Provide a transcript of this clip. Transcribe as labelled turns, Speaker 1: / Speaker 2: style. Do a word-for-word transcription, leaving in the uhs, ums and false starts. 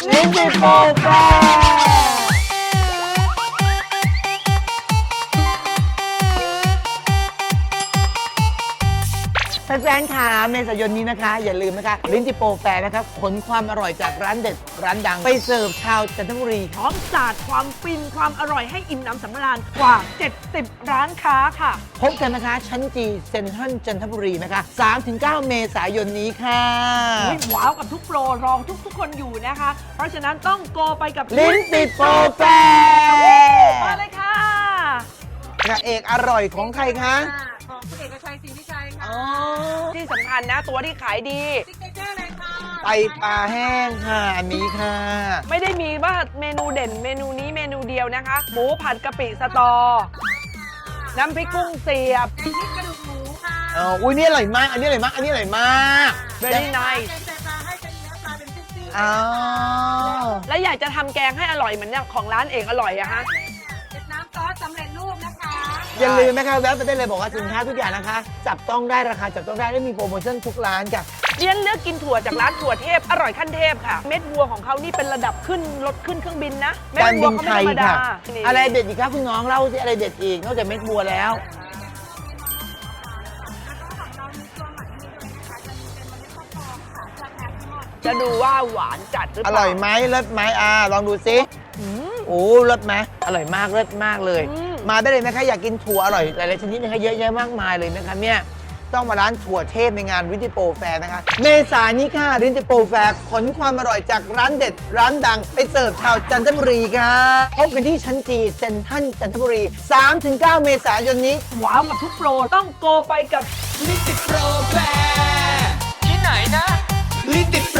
Speaker 1: ลิ้นจี่โปรแฟแฟนๆค่ะเมษายนนี้นะคะ อย่าลืมนะคะลิ้นจิโปรแฟร์นะครับขนความอร่อยจากร้านเด็ดร้านดัง ไปเสิร์ฟชาวจันทบุรี
Speaker 2: พร้อมสาดความฟินความอร่อยให้อิ่มหนำสำราญกว่า เจ็ดสิบ ร้านค้าค่ะ
Speaker 1: พบกันนะคะชั้นจีเซ็นทรัลจันทบุรีนะคะ สามถึงเก้า เมษายนนี้ค่ะ
Speaker 2: อุ๊ยว้าวกับทุกโปรรองทุกทุกๆคนอยู่นะคะ เพราะฉะนั้นต้องโกไปกับ
Speaker 1: ลิ้นจิโปรแฟร์
Speaker 2: มาเลยค่ะ
Speaker 1: พระเอกอร่อยของใครคะ
Speaker 3: ของคุณเอกชัยศรีวิชัยค่ะ
Speaker 1: อ๋อ
Speaker 2: ที่สำคัญนะตัวที่ขายดี
Speaker 3: ซิกเนเจอร์เลยค่ะ
Speaker 1: ไตปลาแห้งค่ะอันนี้ค่ะ
Speaker 2: ไม่ได้มีว่าเมนูเด่นเมนูนี้เมนูเดียวนะคะ หมูผัดกะปิสตอ น้ำพริกกุ้งเสียบ
Speaker 3: แกงพริกกระดูกหมูค่ะ
Speaker 1: อ๋ออุ้ยนี่อร่อยมาก อันนี้อร่อยมาก อันนี้อร่อยมาก
Speaker 2: very nice
Speaker 3: แกงใส่ปลาให้เป็นเนื้อปลาเป็นซี่ๆ
Speaker 1: อ๋อ
Speaker 2: และอยากจะทำแกงให้อร่อยเหมือนอย่างของร้านเอกอร่อยอะฮะ
Speaker 3: เก็บน้ำซอสสำเร็จรูปนะคะ
Speaker 1: อย่าลืมนะคะแวะไปได้เลยบอกว่าสินค้าทุกอย่างนะคะ จับต้องได้ราคาจับต้องได้และมีโปรโมชั่นทุกร้านจ้ะ
Speaker 2: เรียนเลือกกินถั่วจากร้านถั่วเทพอร่อยขั้นเทพค่ะ เม็ดวัวของเขานี่เป็นระดับขึ้นรถขึ้นเครื่องบินนะเม็ด
Speaker 1: การ
Speaker 2: วั
Speaker 1: บิ
Speaker 2: วน เขา
Speaker 1: ไท
Speaker 2: ไม่ธรรมดา
Speaker 1: ยค่ะ
Speaker 2: นี่
Speaker 1: อะไรเด็ดอีกครับคุณน้องเล่าสิอะไรเด็ดอีกนอกจากเม็ดบัวแล้ว
Speaker 2: จะดูว่าหวานจัดหรือ
Speaker 1: อ
Speaker 2: เปล่า
Speaker 1: ร่อยไหมเลิศไหมอ่าลองดูซิ
Speaker 2: อืม
Speaker 1: โอ้เลิศไหมอร่อยมากเลิศมากเลย
Speaker 2: อืม
Speaker 1: มาได้เลยนะคะอยากกินถั่วอร่อยหลายๆชนิดนะคะเยอะแยะมากมายเลยนะคะเนี่ยต้องมาร้านถั่วเทพในงานรินจิโปรแฟร์นะคะ เมษายนนี้ค่ะรินจิโปรแฟร์ขนความอร่อยจากร้านเด็ดร้านดัง ไปเสิร์ฟชาวจันทบุรีค่ะพบกันที่ชั้นจีเซ็นทรัลจันทบุรี สามถึงเก้า เมษายนนี้
Speaker 2: ว้าวกับทุกโปรต้องโกไปกับ
Speaker 4: ลิ้นติดโปรแฟร์ที่ไหนนะลิ้นติด